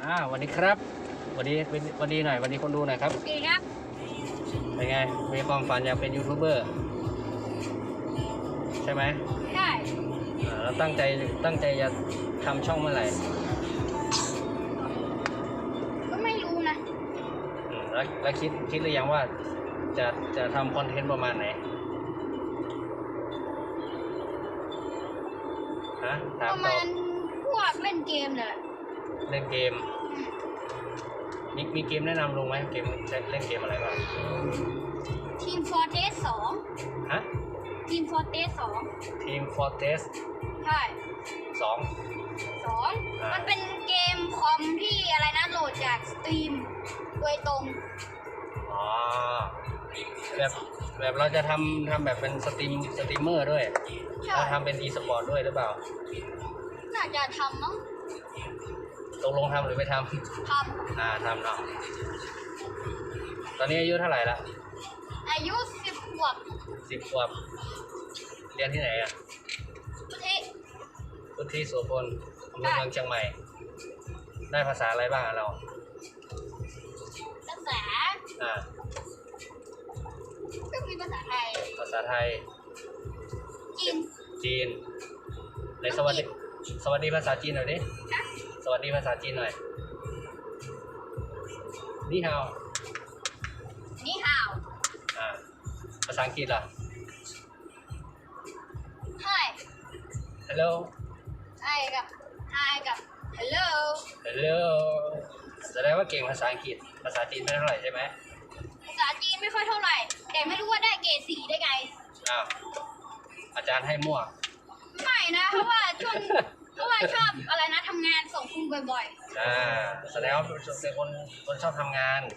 วันนี้ครับวันนี้หน่อยวันนี้คนดูหน่อยครับโอเคครับเป็นไงมีความฝันอยากเป็นยูทูบเบอร์ใช่ไหมใช่แล้วตั้งใจจะทำช่องเมื่อไหร่ก็ไม่รู้นะแล้วคิดหรือยังว่าจะทำคอนเทนต์ประมาณไหนฮะถามประมาณพวกเล่นเกมเนี่ยเล่นเกมมีเกมแนะนำลงไหมเกมเล่นเกมอะไรบ้างทีมฟอร์เทส2 ฮะทีมฟอร์เทส2 ทีมฟอร์เทสใช่ 2 มันเป็นเกมคอมที่อะไรนะโหลดจากสตรีมโดยตรงอ๋อแบบเราจะทำแบบเป็นสตรีมเมอร์ด้วยเราทำเป็นอีสปอร์ตด้วยหรือเปล่าน่าจะทำมั้งตกลงทำหรือไม่ทำทำเนาะตอนนี้อายุเท่าไหร่ละอายุ10 ขวบเรียนที่ไหนอ่ะพุทธิโสพลอำเภอเมืองเชียงใหม่ได้ภาษาอะไรบ้างเราภาษาก็มีภาษาไทยจีนในสวัสดีภาษาจีนหน่อยดิสวัสดีภาษาจีนหน่อยนี่ฮาวภาษาอังกฤษล่ะ Hi Hello Hi กับ Hello แสดงว่าเก่งภาษาอังกฤษภาษาจีนไม่เท่าไหร่ใช่ไหมภาษาจีนไม่ค่อยเท่าไหร่แต่ไม่รู้ว่าได้เกรด4ได้ไงอาจารย์ให้มั่วไม่นะเพราะว่าชอบอะไรนะทำงานส่งครูบ่อยๆแสดงว่าเป็นคนชอบทำงาน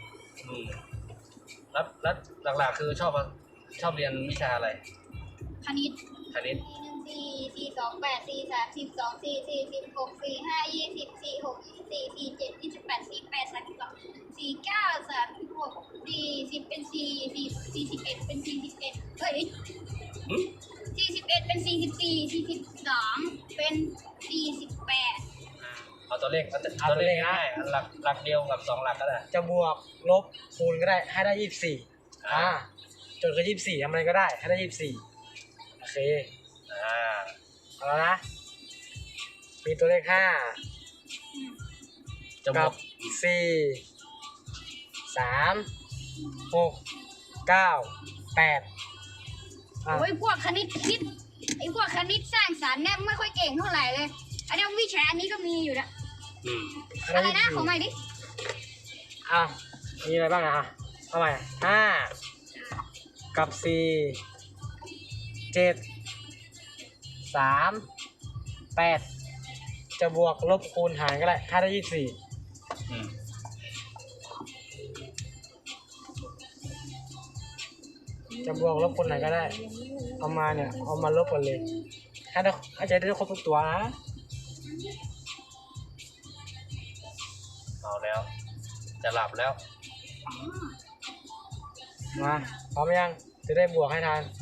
แล้วหลักๆคือชอบเรียนวิชาอะไรคณิต 1 4 2 8 4 3 12 4 4 16 4 5 20 4 6 24 47 28 48 32 49 36 40เป็น41เป็น41เฮ้ย41เป็น44 42เป็น48 เอาตัวเลขง่ายหลักเดียวกับ2หลักก็ได้จะบวกลบคูณก็ได้ให้ได้24จนคือ24ทำอะไรก็ได้ให้ได้24โอเคเอาแล้วนะมีตัวเลข5กับ4 3 6 9 8 โอ้ยพวกคณิตคิดไอ้พวกคณิตสร้างสรรค์เนี่ยไม่ค่อยเก่งเท่าไหร่เลยอันนี้วิชาอันนี้ก็มีอยู่นะอะไรนะขอใหม่ดิมีอะไรบ้างเอาใหม่5กับ4 7 3 8จะบวกลบคูณหารก็ได้ให้ได้24จะบวกลบคูณหารก็ได้เอามาลบกันเลยให้ใจได้ครบทุกตัวนะเอาแล้วจะหลับแล้วมาพร้อมยังจะได้บวกให้ทัน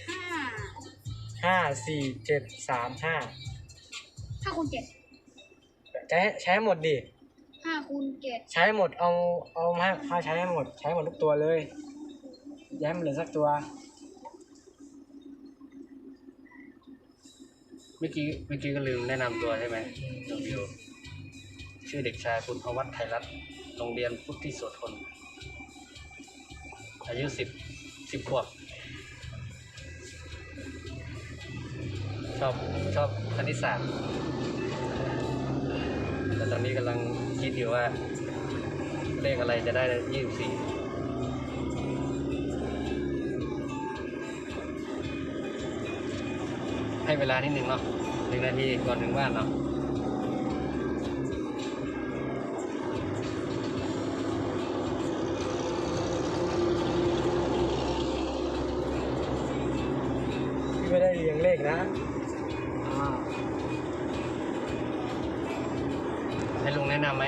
5 4 7 3 5คูณ7 ใช้หมดดิ 5คูณ7 ใช้หมดเอามาใช้ให้หมดทุกตัวเลยอย่าให้มันเหลือสักตัวเมื่อกี้ก็ลืมแนะนำตัวใช่ไหมน้องบิวชื่อเด็กชายคุณอวัฒน์ไทยรัตน์โรงเรียนพุทธิโสพลอายุ10 ขวบชอบคณิตศาสตร์แต่ตอนนี้กำลังคิดอยู่ว่าเลขอะไรจะได้24ให้เวลานิดนึงเนาะ1 นาทีก่อนถึงบ้านเนาะพี่ไม่ได้เรียงเลขนะให้ลุงแนะนำไหม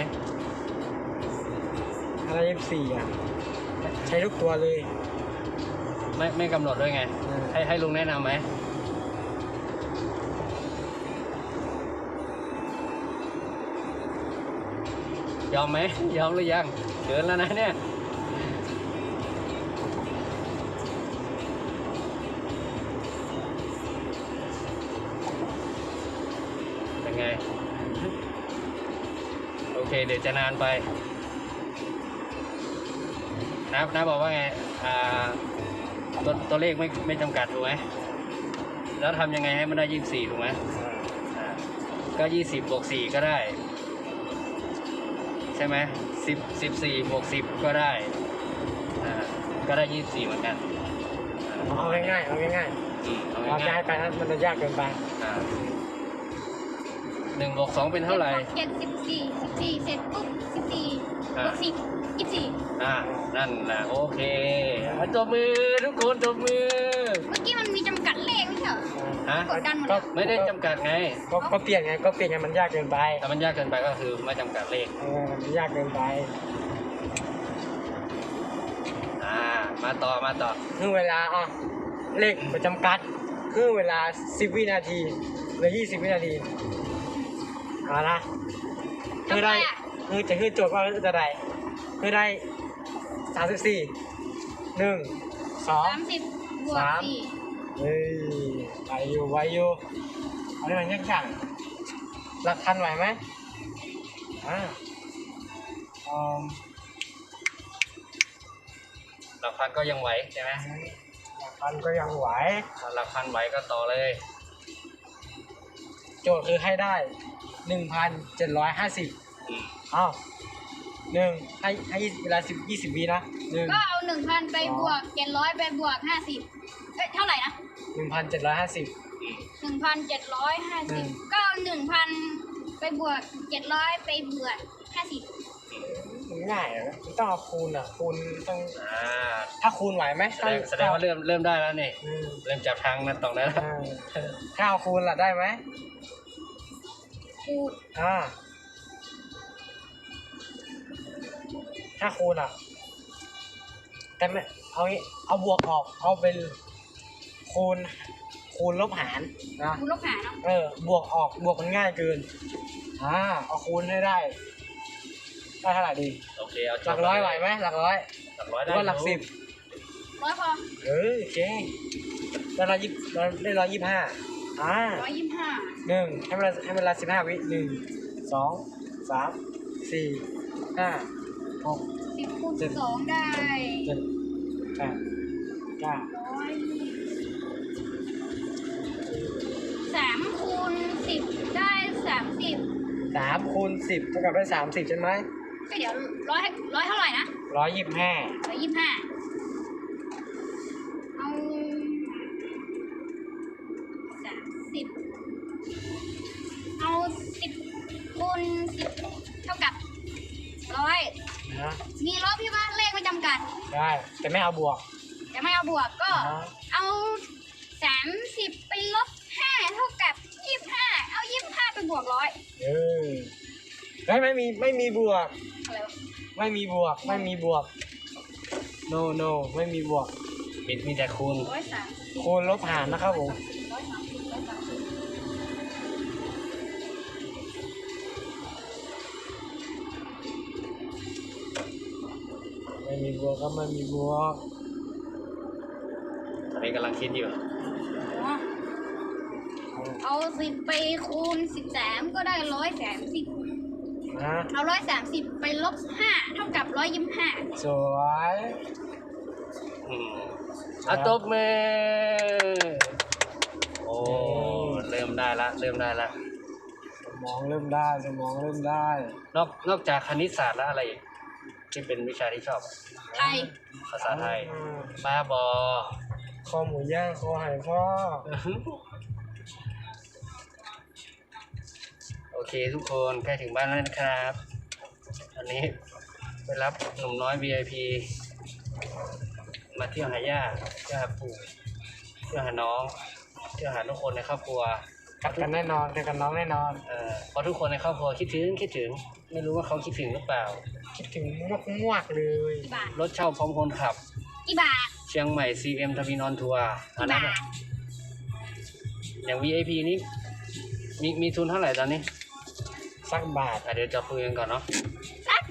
อะไร24ใช้ทุกตัวเลยไม่กำหนดด้วยไงให้ลุงแนะนำไหมยอมไหมยอมหรือยังเดินแล้วนะเนี่ยเป็นไงโอเคเดี๋ยวจะนานไปนะบอกว่าไงตัวเลขไม่จำกัดถูกไหมแล้วทำยังไงให้มันได้24ถูกไหมก็20 บวก 4ก็ได้ใช่ไหม14 บวก 10ก็ได้ก็ได้24เหมือนกันเอาง่ายๆเอาง่ายๆเอาง่ายไปนะมันจะยากเกินไป 1 บวก 2เป็นเท่าไหร่ 14เสร็จปุ๊บ14บวก10 24 นั่นแหละโอเคตัวมือทุกคนตัวมือเมื่อกี้มันมีจำกัดเลขไม่ใช่เหรอฮะกดดันหมดแล้วไม่ได้จำกัดไงก็เปลี่ยนไงมันยากเกินไปถ้ามันยากเกินไปก็คือไม่จำกัดเลขมันยากเกินไปมาต่อคือเวลาเลขประจำกัดคือเวลา10 วินาทีหรือ20 วินาทีเอาละคือได้คือจะขึ้นโจทย์ว่าจะได้คือได้34 1 2 30 บวก 4 เฮ้ยไวอยู่อันนี้มันยากหลักพันไหวไหมหลักพันก็ยังไหวใช่ไหมหลักพันก็ยังไหวหลักพันไหวก็ต่อเลยโจทย์คือให้ได้ 1,750ให้เวลา20 วินะก็เอา 1,000 ไปบวก 700 ไปบวก 50เท่าไหร่นะ 1,750 1,750ก็เอา 1,000 ไปบวก 700 ไปบวก 50 ง่ายนะต้องเอาคูณคูณต้องถ้าคูณไหวไหมแสดงว่าเริ่มได้แล้วนี่เริ่มจับทางนะตรงนั้นถ้าเอาคูณล่ะได้ไหมคูณถ้าคูณแต่ไม่เอาบวกออกเอาเป็นคูณลบหารนะคูณลบหารบวกออกบวกมันง่ายเกินเอาคูณให้ได้เท่าไหร่ดีโอเคเอาหลักร้อยไหวไหมหลักร้อยได้ว่าหลัก10 100พอโอเคได้1251ให้เวลา15 วิ1 2 3 4 5 6 10 คูณ 2ได้ 7 8 9 3 คูณ 10ได้30 3 คูณ 10เท่ากับได้30ใช่ไหมก็เดี๋ยว100เท่าไหร่นะ 125 เอา30เอา10 คูณ 10เท่ากับ100มีลบพี่ว่าเลขไม่จำกัดได้แต่ไม่เอาบวกก็เอา30ไปลบ5เท่ากับ25เอา25ไปบวก100 ไม่มีบวกอะไรวะไม่มีบวกno ไม่มีบวกมีแต่คูณลบหารนะครับผมไม่มีบวกก็ไม่มีบวกตอนนี้กำลังคิดอยู่เอา10ไปคูณ13ก็ได้130เอา130ไปลบ5เท่ากับ125 สวยตบมือโอ้เริ่มได้ละสมองเริ่มได้นอกจากคณิตศาสตร์แล้วอะไรอีกที่เป็นวิชาที่ชอบไทยภาษาไทยบ้าบอคอหมูย่างคอหายพ่อโอเคทุกคนใกล้ถึงบ้านแล้วนะครับอันนี้ไปรับหนุ่มน้อย VIP มาเที่ยวหาย่าเที่ยวหาปู่เที่ยวหาน้องเที่ยวหาทุกคนในครอบครัวกันแน่นอนกันน้องแน่นอนเพราะทุกคนในครอบครัวคิดถึงไม่รู้ว่าเขาคิดถึงหรือเปล่าคิดถึงมากเลยรถเช่าพร้อมคนขับกี่บาทเชียงใหม่ CM ทวีนอนทัวร์อันนั้นอย่าง VIP นี้มีทุนเท่าไหร่ตอนนี้สักบาทเดี๋ยวจะคุยกันก่อนเนาะสัก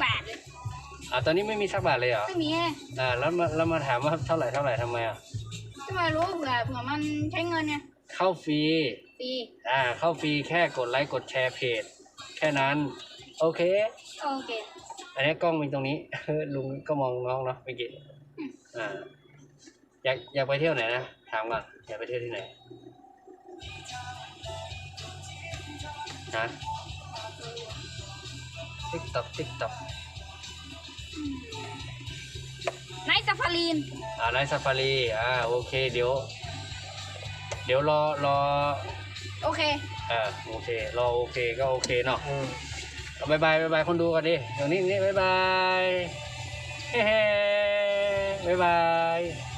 ตอนนี้ไม่มีสักบาทเลยเหรอไม่มีไงแล้วมาถามว่าเท่าไหร่ทำไมอ่ะทำไมรู้เผื่อมันใช้เงินไงเข้าฟรีฟรีเข้าฟรีแค่กดไลค์กดแชร์เพจแค่นั้นโอเคโอเคอันนี้กล้องมีตรงนี้ ลุงก็มองน้องเนาะเมื่อกี้อยากไปเที่ยวไหนนะถามก่อนอยากไปเที่ยวที่ไหนฮะติ๊กต็อกไนท์ซาฟารีนไนท์ซาฟารีโอเคเดี๋ยวรอโอเคโอเครอโอเคก็โอเคเนาะบายบายคนดูกันดิเดี๋ยวนี้บายบายเฮ้บายบาย